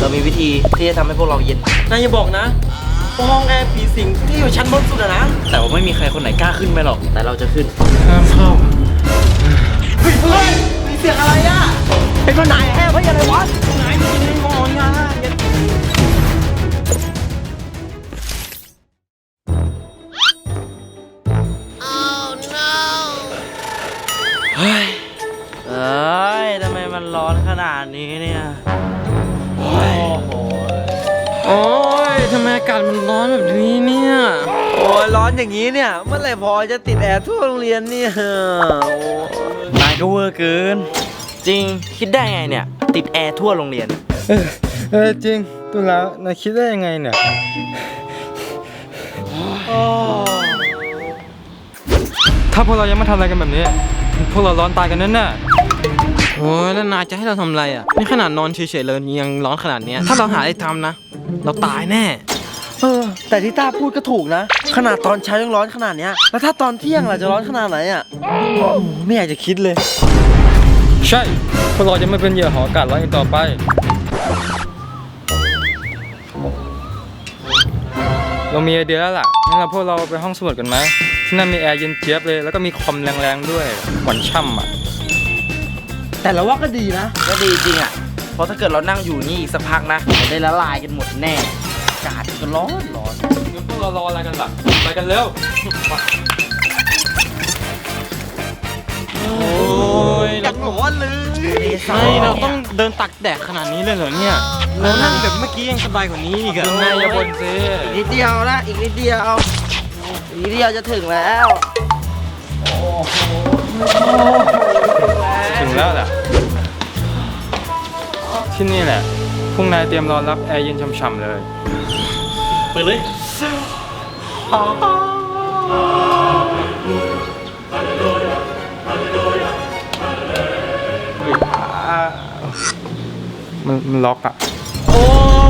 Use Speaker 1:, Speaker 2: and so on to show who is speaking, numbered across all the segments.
Speaker 1: เรามีวิธีที่จะทำให้พวกเราเย็นนายอย่าบอกนะว่าห้องแอร์ผีสิงที่อยู่ชั้นบนสุดอะนะแต่ว่าไม่มีใครคนไหนกล้าขึ้นไปหรอกแต่เราจะขึ้นห้ามเข้าเฮ้ยมีเสียงอะไรอะเป็นคนไหนแอบเฮ้ยอะไรวะไหนมีในงอนงาเฮ้ยทำไมมันร้อนขนาดนี้เนี่ยโอ้ยทำไมอากาศมันร้อนแบบนี้เนี่ยโอ้ยร้อนอย่างนี้เนี่ยเมื่อไหร่พอจะติดแอร์ทั่วโรงเรียนเนี่ยนายก็เวอร์เกินจริงคิดได้ไงเนี่ยติดแอร์ทั่วโรงเรียน
Speaker 2: จริงตุลานายคิดได้ยังไงเนี่ยถ้าพวกเรายังไม่ทำอะไรกันแบบนี้พวกเราร้อนตายกันแน่
Speaker 1: โอ้ยแล้วนายจะให้เราทำอะไรอ่ะนี่ขนาดนอนเฉยๆเลยยังร้อนขนาดนี้ถ้าเราหาอะไรทำนะเราตายแน่แต่ที่ต้าพูดก็ถูกนะขนาดตอนเช้ายังร้อนขนาดนี้แล้วถ้าตอนเที่ยงล่ะจะร้อนขนาดไหนอ่ะไม่อยากจะคิดเลย
Speaker 2: ใช่พวกเราจะไม่เป็นเหยื่อของอากาศร้อนอีกต่อไปเรามีไอเดียแล้วล่ะงั้นเราพวกเราไปห้องสมุดกันไหมที่นั่นมีแอร์เย็นเจี๊ยบเลยแล้วก็มีคอมแรงๆด้วยหวานช่ำอ่ะ
Speaker 1: แต่เราว่าก็ดีนะก็ดีจริงอ่ะเพราะถ้าเกิดเรานั่งอยู่นี่อีกสักพักนะจะได้ละลายกันหมดแน่อากาศก็ร้อน
Speaker 2: งั้นพวกเรารออะไรกันล่ะไปกันเร็ว
Speaker 1: โอ้ยอยากร้อนเลยใช่เราต้องเดินตักแดดขนาดนี้เลยเหรอเนี่ยเรานั่งแบบเมื่อกี้ยังสบายกว่านี้อีกอะ
Speaker 2: นายอย่าบ่นสิ
Speaker 1: อีกนิดเดียวนะอีกนิดเดียวจะถึงแล้ว
Speaker 2: ถึงแล้วแหละที่นี่แหละพวกนายเตรียมรอรับแอร์เย็นช่ำๆเลย
Speaker 1: ไปเลย
Speaker 2: มันล็อกอ่ะ
Speaker 1: โอ้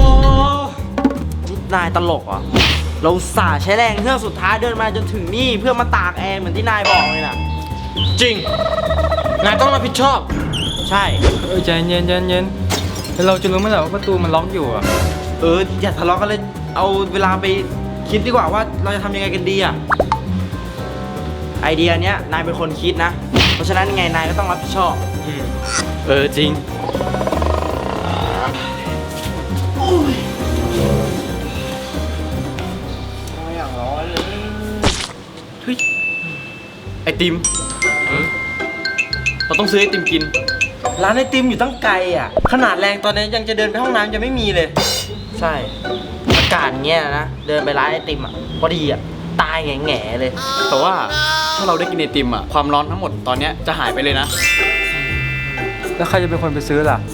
Speaker 1: นายตลกอ่ะเราสาใช้แรงเพื่อสุดท้ายเดินมาจนถึงนี่เพื่อมาตากแอร์เหมือนที่นายบอกเลยนะจริงนายต้องรับผิดชอบใช่
Speaker 2: ใจเย็นแล้วเราจะรู้ไหมล่ะว่าประตูมันล็อกอยู่อ่ะ
Speaker 1: อย่าทะเลาะกันเลยเอาเวลาไปคิดดีกว่าว่าเราจะทำยังไงกันดีอ่ะไอเดียเนี้ยนายเป็นคนคิดนะเพราะฉะนั้นยังไงนายก็ต้องรับผิดชอบ
Speaker 2: จริง
Speaker 1: ไม่อยากร้อนเลย
Speaker 2: เฮ้ยไอติมเราต้องซื้อไอติมกิน
Speaker 1: ร้านไอติมอยู่ตั้งไกลอ่ะขนาดแรงตอนนี้ยังจะเดินไปห้องน้ำจะไม่มีเลยใช่อากาศเงี้ยนะเดินไปร้านไอติมอ่ะพอดีอ่ะตายแง่ๆเลย
Speaker 3: แต่ว่าถ้าเราได้กินไอติมอ่ะความร้อนทั้งหมดตอนนี้จะหายไปเลยนะ
Speaker 2: แล้วใครจะเป็นคนไปซื้อล่ะ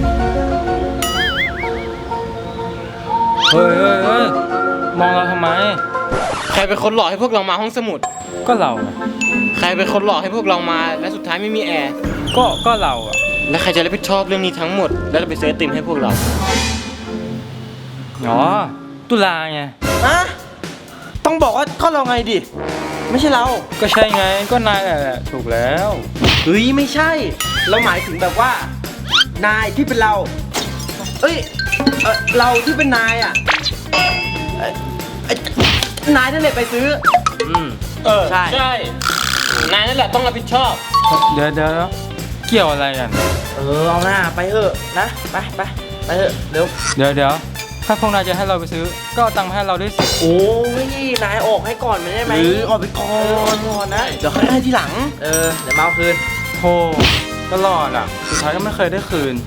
Speaker 2: เฮ้ยมองเราทำไม
Speaker 1: ใครเป็นคนหลอกให้พวกเรามาห้องสมุด
Speaker 2: ก็เรา
Speaker 1: ใครเป็นคนหลอกให้พวกเรามาและสุดท้ายไม่มีแอร์
Speaker 2: ก็เราอ่ะ
Speaker 1: แล้วใครจะรับผิดชอบเรื่องนี้ทั้งหมดแล้วจะไปซื้อไอติมให้พวกเรา
Speaker 2: ตุลาไง
Speaker 1: ต้องบอกว่าก็เราไงดิไม่ใช่เรา
Speaker 2: ก็ใช่ไงก็นายแหละถูกแล้ว
Speaker 1: เฮ้ยไม่ใช่เราหมายถึงแบบว่านายที่เป็นเราเราที่เป็นนายอ่ะนายนั่นแหละไปซื้อใช่นายนั่นแหละต้องรับผิดชอบ
Speaker 2: เดี๋ยวเกี่ยวอะไรกัน
Speaker 1: เอาหน้าไปเถอะนะไปเถอะเร็ว
Speaker 2: เดี๋ยวถ้าพวกนายจะให้เราไปซื้อก็เอาตังค์มาให้เราด้วยสิ
Speaker 1: โอ้ยนายออกให้ก่อนไม่ได้ไหมออกไปก่อนนะเดี๋ยวให้ทีหลังเดี๋ยวมาเอาคืน
Speaker 2: โธ่ตลอดอ่ะสุดท้ายก็ไม่เคยได้คืน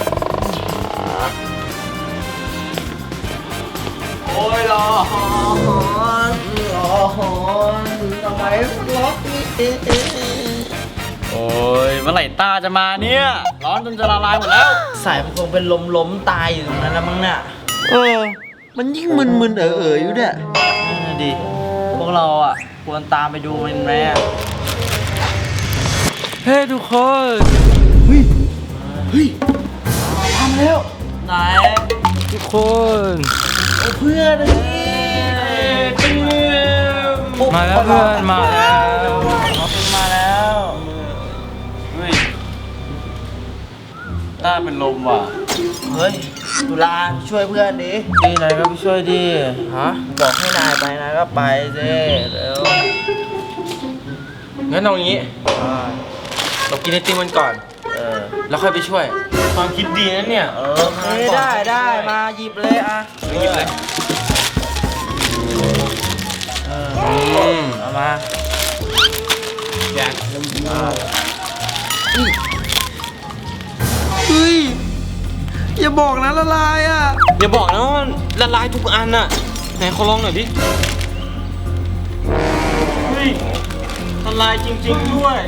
Speaker 1: โอ้ยร้อนทำไมล็อกนี่
Speaker 3: โอ้ยเมื่อไหร่ตาจะมาเนี่ยร้อนจนจะละลายหมดแล้ว
Speaker 1: สายมันคงเป็นล้มตายอยู่ตรงนั้นแล้วมั้งเนี่ยมันยิ่งมึนอยู่เนี่ยดิพวกเราอ่ะควรตามไปดูมันไหม
Speaker 2: เฮ้ทุกคน
Speaker 1: เฮ้ยทำแล้วไหน
Speaker 2: ทุกคน
Speaker 1: เพื่อน
Speaker 2: มาแล้วเพื่อนมาแล้ว
Speaker 3: เฮ้ยต้าเป็นลมว่ะ
Speaker 1: เฮ้ย
Speaker 4: ตุลาช่วยเพื่อนดิ
Speaker 1: ดีนายก็ไปช่วยดิฮะ
Speaker 4: บอกให้นายไปนายก็ไปสิเร็ว
Speaker 1: งั้นเอางี้ เรากินไอติมกันก่อน แล้วค่อยไปช่วย ความคิดดีนะเนี่ย
Speaker 4: ได้มาหยิบเลยอ่ะ
Speaker 1: หยิบเลย
Speaker 4: เอามา
Speaker 1: แจก
Speaker 4: เฮ้ยอย่าบอกนะละลายอ่ะ
Speaker 1: อย่าบอกนะว่ามันละลายทุกอันน่ะไหนขอลองหน่อยดิ เฮ้ยละลายจริงๆด้วย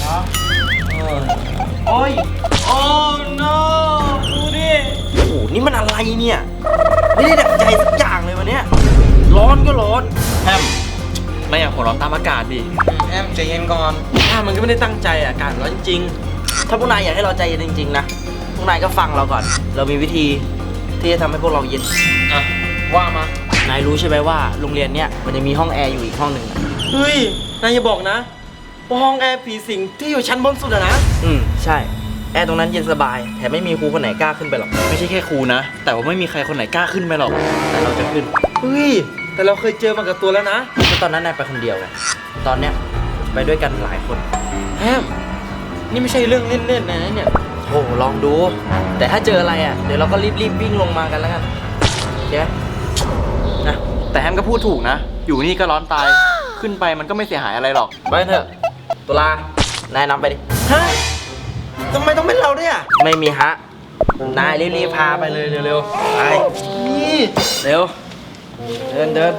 Speaker 1: โอ้ย โอ้ no ดูดิ
Speaker 4: โอ้โหนี่มันอะไรเนี่ยไม่ได้ดับใจสักอย่างเลยวันเนี้ยร้อนก็ร้อน
Speaker 1: แฮมไม่อยากหัวร้อนตามอากาศดิ
Speaker 4: แอมใจเย็นก่อน
Speaker 1: ถ้ามันก็ไม่ได้ตั้งใจอ่ะอากาศร้อนจริง
Speaker 4: ถ้าพวกนายอยากให้เราใจเย็นจริงๆนะพวกนายก็ฟังเราก่อน เรามีวิธีที่จะทำให้พวกเราเย็น
Speaker 1: อ่ะ ว่ามา
Speaker 4: นายรู้ใช่ไหมว่าโรงเรียนเนี้ยมันจะมีห้องแอร์อยู่อีกห้องหนึ่งอะ
Speaker 1: เฮ้ย นายอย่าบอกนะว่าห้องแอร์ผีสิงที่อยู่ชั้นบนสุดอะนะ
Speaker 4: ใช่ แอร์ตรงนั้นเย็นสบาย แถมไม่มีครูคนไหนกล้าขึ้นไปหรอก
Speaker 1: ไม่ใช่แค่ครูนะ แต่ว่าไม่มีใครคนไหนกล้าขึ้นไปหรอก
Speaker 4: แต่เราจะขึ้น
Speaker 1: เฮ้ย แต่เราเคยเจอมากับตัวแล้วนะ
Speaker 4: เพราะตอนนั้นนายไปคนเดียวไงตอนเนี้ยไปด้วยกันหลายคน
Speaker 1: แฮม นี่ไม่ใช่เรื่องเล่นๆนะเนี่ย
Speaker 4: โอ้ลองดู แต่ถ้าเจออะไรอ่ะเดี๋ยวเราก็รีบวิ่งลงมากันแล้วกันโอเคไหมนะ
Speaker 3: แต่แฮมก็พูดถูกนะ อยู่นี่ก็ร้อนตาย ขึ้นไปมันก็ไม่เสียหายอะไรหรอก
Speaker 4: ไปเถอะตุลานายนำไปดิ
Speaker 1: ฮะทำไมต้องเป็นเราด้วยอ่ะ
Speaker 4: ไม่มีฮะ นายรีบๆพาไปเลยเร็วๆไปเร็ว เดิน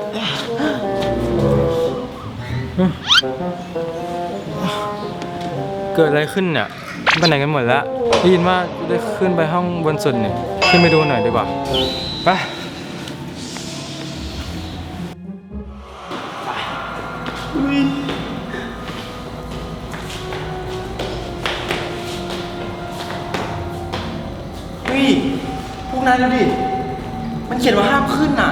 Speaker 2: เกิดอะไรขึ้นเนี่ยไปไหนกันหมดแล้วได้ยินว่าจะได้ขึ้นไปห้องบนสุดเนี่ยขึ้นไปดูหน่อยดีกว่าไป
Speaker 1: เฮ้ย พวกนายดูดิ มันเขียนว่าห้ามขึ้นน่ะ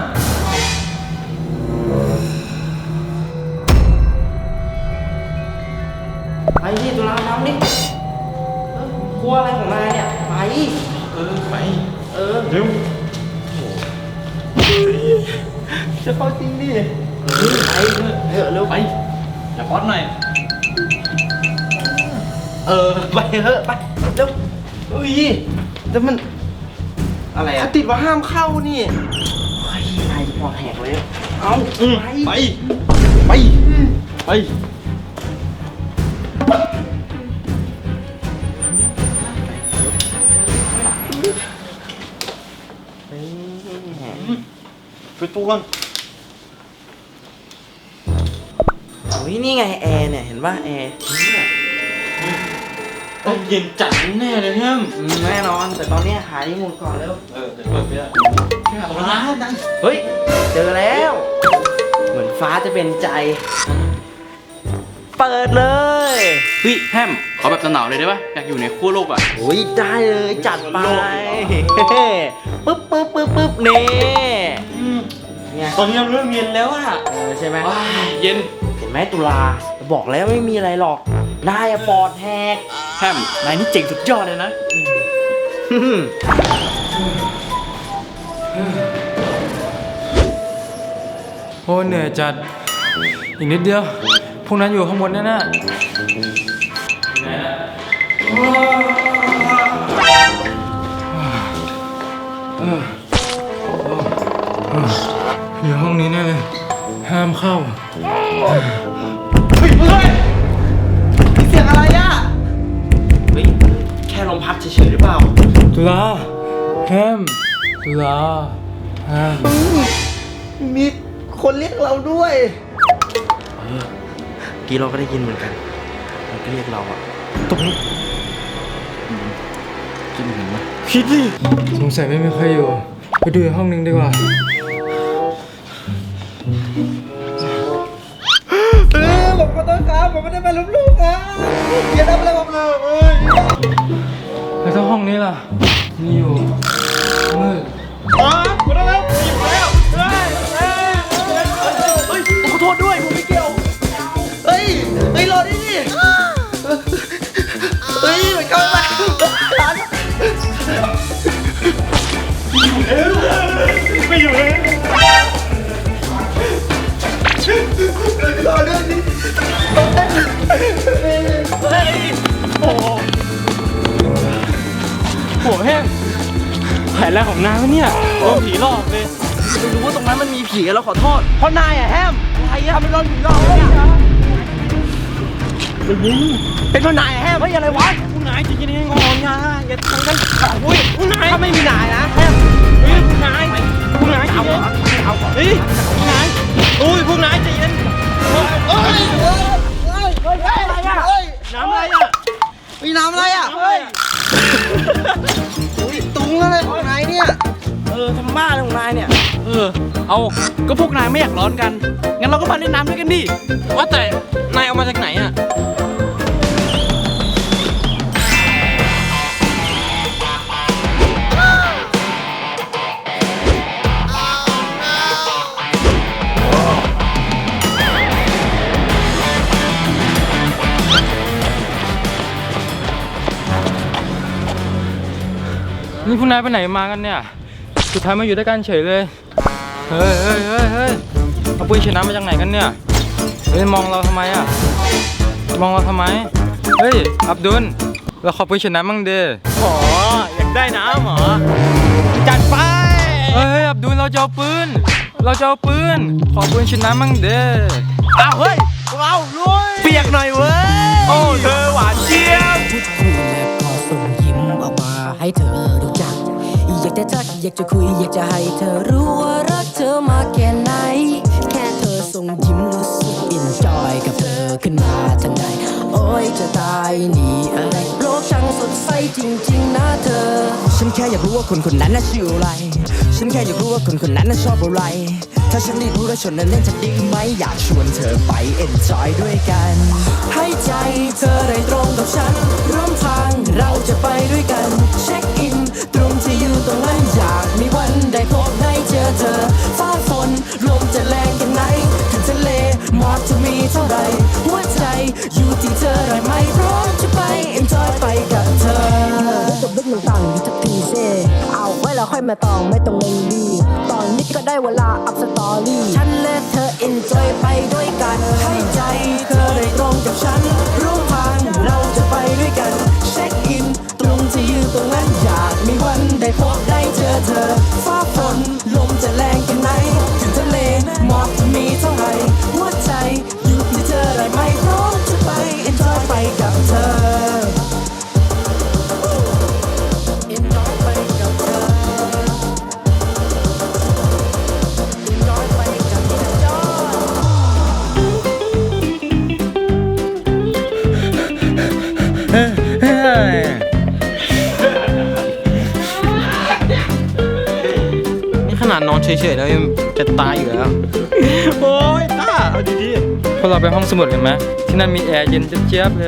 Speaker 4: ไปที่ตุลาน้ำดิกลัวอะไรของนายเนี่ยไป
Speaker 1: ไป
Speaker 4: เร็ว
Speaker 1: จะเข้าจริงดิ
Speaker 4: ไปเถอะเร็ว
Speaker 1: ไป อย่าป๊อตหน่อย
Speaker 4: ไปเถอะไปเร็ว
Speaker 1: เฮ้ย แต่มัน
Speaker 4: อะไร
Speaker 1: เขา
Speaker 4: อ่ะ
Speaker 1: ติดว่าห้ามเข้านี่
Speaker 4: เฮ้ยนายปอดแหกเลยเอา
Speaker 1: ไป ไป ไป ไปตู้กัน
Speaker 4: โอ้ยนี่ไงแอร์เนี่ยเห็นป่ะแอร์
Speaker 1: ต้องเย็นจัดแน่เลยแฮม
Speaker 4: แน่นอนแต่ตอนเนี้ยหาที่มุมก่อนเร็ว
Speaker 1: เดี๋ยวเปิดไปแล้วตรงนั้นดัง
Speaker 4: เฮ้ยเจอแล้ว เหมือนฟ้าจะเป็นใจ เปิดเลย
Speaker 3: เฮ้ยแฮมขอแบบหนาวๆเลยได้ปะอยากอยู่ในขั้วโลกอ่ะ
Speaker 4: โอ้ยได้เลยจัดไปปึ๊บนี่ไง
Speaker 1: ตอนนี้เราเริ่มเย็นแล้วอะ
Speaker 4: ใช่ไหม
Speaker 3: ว้ายเย็น
Speaker 4: เห็นไหมตุลาบอกแล้วไม่มีอะไรหรอกนายอะปอดแหก
Speaker 3: แฮมนายนี่เจ๋งสุดยอดเลยนะ
Speaker 2: โอ้เหนื่อยจัดอีกนิดเดียวพวกนั้นอยู่ข้างบนแน่ๆอยู่ห้องนี้แน่เลยห้ามเข้า
Speaker 4: เสียงอะไรอะเฮ้ยแค่ลมพัดเฉยๆหรือเปล่า
Speaker 2: ตุลาแฮมตุลาแฮม
Speaker 4: มีคนเรียกเราด้วยกี้เราก็ได้ยินเหมือนกันมันก็เรียกเราอะ
Speaker 2: ตรงนี้
Speaker 3: คิดเหมือนไหม
Speaker 2: คิดดิสงสัยไม่มีใครอยู่ไปดูอีกห้องนึงดีกว่า
Speaker 4: ผมขอโทษครับผมไม่ได้มาลุกลูกครับอย่าทำอะไรผมเลย
Speaker 2: แล้วถ้าห้องนี้ล่ะมีอยู่มืด
Speaker 4: ขอโทษด้วยผมไม่เกี่ยวเฮ้ยรอดิเฮ้ยมันเข้ามาร้าน
Speaker 2: ไม่อยู่เลย โหแห้งแผนแรกของนางวะเนี่ยโดนผีหลอกเลย
Speaker 4: ไม่รู้ว่าตรงนั้นมันมีผีเราขอโทษเพราะนายอะแฮมอะไรอะทำเป็นโดนผีหลอกเนี่ยเป็นเพราะนายอะแฮมไม่อะไรวะ
Speaker 2: คุณนายจริงๆให้งอนนะอย่าทำกันอุ้ยคุณนาย
Speaker 4: ถ้าไม่มีนายนะแฮม
Speaker 2: เฮ้ยคุณนายคุณนาย
Speaker 4: เอา
Speaker 2: ใจ
Speaker 4: เหร
Speaker 2: เย็
Speaker 4: อน เอาเหรอ
Speaker 2: เฮ้ยคุณนายอุ้ยพวกนายใจเย็นเฮ้ย
Speaker 4: อะไรอะ
Speaker 2: น้ำอะไรอ่ะ
Speaker 4: มีน้ำอะไรอะเฮ้ยตุงอะไรของนายเนี่ยทำบ้าอะไรของนายเนี่ย
Speaker 3: เอาก็พวกนายไม่อยากร้อนกัน งั้นเราก็มาเล่นน้ำด้วยกันดิ
Speaker 2: ว่าแต่นายเอามาจากไหนอ่ะ นี่คุณนายไปไหนมากันเนี่ย สุดท้ายมาอยู่ด้วยกันเฉยเลย เฮ้ยเอาปืนฉีดน้ำมาจากไหนกันเนี่ย เฮ้ยมองเราทำไมอ่ะ มองเราทำไม เฮ้ยอับดุลเราขอปืนฉีดน้ำมั่งเด้อ๋ออยากได้น้ำเหรอ จัดไป เฮ้ยอับดุลเราจะเอาปืน ขอปืนฉีดน้ำมั่งเด้
Speaker 4: อ้าวเฮ้ยพวกเราลุยเปียกหน่อยเว้ย
Speaker 2: โอ้เธอหวานเจี๊ยบ
Speaker 5: พูดคุยและพอส่งยิ้มออกมาให้เธอรู้จัก อยากจะทักอยากจะคุยอยากจะให้เธอรู้ว่ารักเธอมากแค่ไหน แค่เธอส่งยิ้มรู้สึกอินจอยกับเธอขึ้นมาทันใดโอ้ยจะตายนี่อะไรโลกช่างสดใสจริงๆนะเธอ ฉันแค่อยากรู้ว่าคนคนนั้นน่ะชื่ออะไร ฉันแค่อยากรู้ว่าคนคนนั้นน่ะชอบอะไร ถ้าฉันได้รู้และชวนนั้นเล่นจะดีไหมอยากชวนเธอไป enjoy ด้วยกัน ให้ใจเธอได้ตรงกับฉันร่วมทางเราจะไปด้วยกัน เช็คอินตรงที่อยู่ตรงนั้นอยากมีวันได้พบได้เจอเธอ ฟ้าฝนลมจะแรงแค่ไหนถึงทะเลหมอกจะมีเท่าไรหัวใจอยู่ที่เธอได้ไหมพร้อมจะไป enjoy ไปกับเธอจบลึกหนึ่งต่างอยู่ทุกทีเซ่เอาไว้แล้วค่อยมาตองไม่ต้องเร่งรีบตอนนี้ก็ได้เวลาอัพสตอรี่ฉันและเธอ enjoy ไปด้วยกันให้ใจเธอได้ตรงกับฉันร่วมทางเราจะไปด้วยกันเช็คอินตรงที่อยู่ตรงนั้นอยากมีวันได้พบได้เจอเธอฟ้าฝนลมจะแรงแค่ไหนถึงทะเลหมอกจะมีเท่าไหร่หัวใจอยู่ที่เธอได้ไหมพร้อมจะไป enjoy ไปกับเธอ enjoy ไปกับเธอ enjoy ไปกับเธอ
Speaker 4: นี่ขนาดนอนเฉยๆแล้วยังจะตายอยู่แล้ว
Speaker 2: โอ้ยต้าเอาดีๆพวกเราไปห้องสมุดกันไหมที่นั่นมีแอร์เย็นเจี๊ยบๆเลย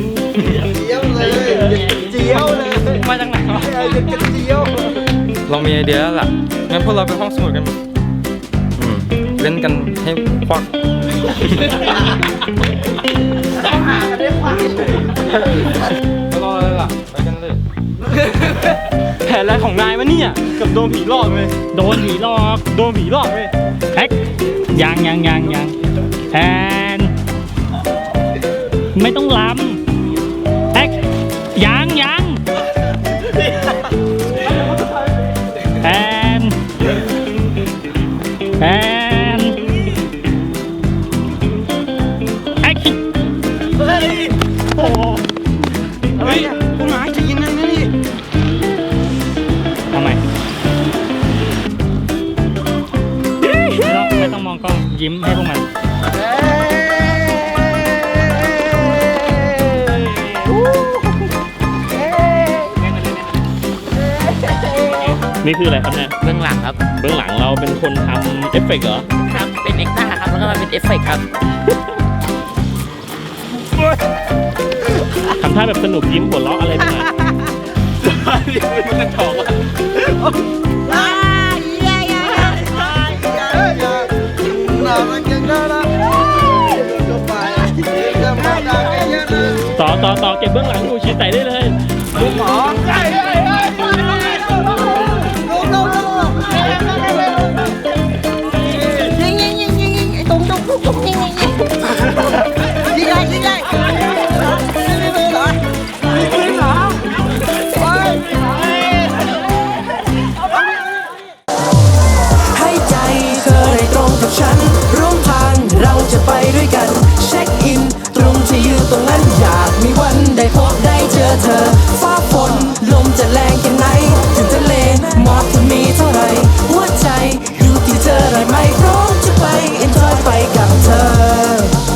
Speaker 2: มาจากไหนวะเรามีไอเดียแล้วล่ะ งั้นพวกเราไปห้องสมุดกันเล่นกันให้ควักไม่รอเลยล่ะ ไปกันเลย แผนอะไรของนายวะเนี่ยกับโดนผีหลอกเลย โดนผีหลอกเลยแฮกยังแผนไม่ต้องล้ำแฮกยังแผนแฮกเฮ้ยโอ้เฮ้ยคุณหมายจะยินนั่นนี่ทำไมไม่ต้องมองกล้องยิ้มให้พวกมัน
Speaker 6: นี่คืออะไรครับเนี่ย
Speaker 7: เบื้องหลังครับ
Speaker 6: เบื้องหลังเราเป็นคนทำเอฟเฟกต์เหรอ
Speaker 7: ครับ เป็นเอ็กซ์ต้าครับ แล้วก็มาเป็นเอฟเฟกต์ครับ
Speaker 6: ทำท่าแบบสนุกยิ้มหัวเราะอะไรไปหน่อย
Speaker 2: มันกระจอกว่ะ
Speaker 6: ต่อเก็บเบื้องหลัง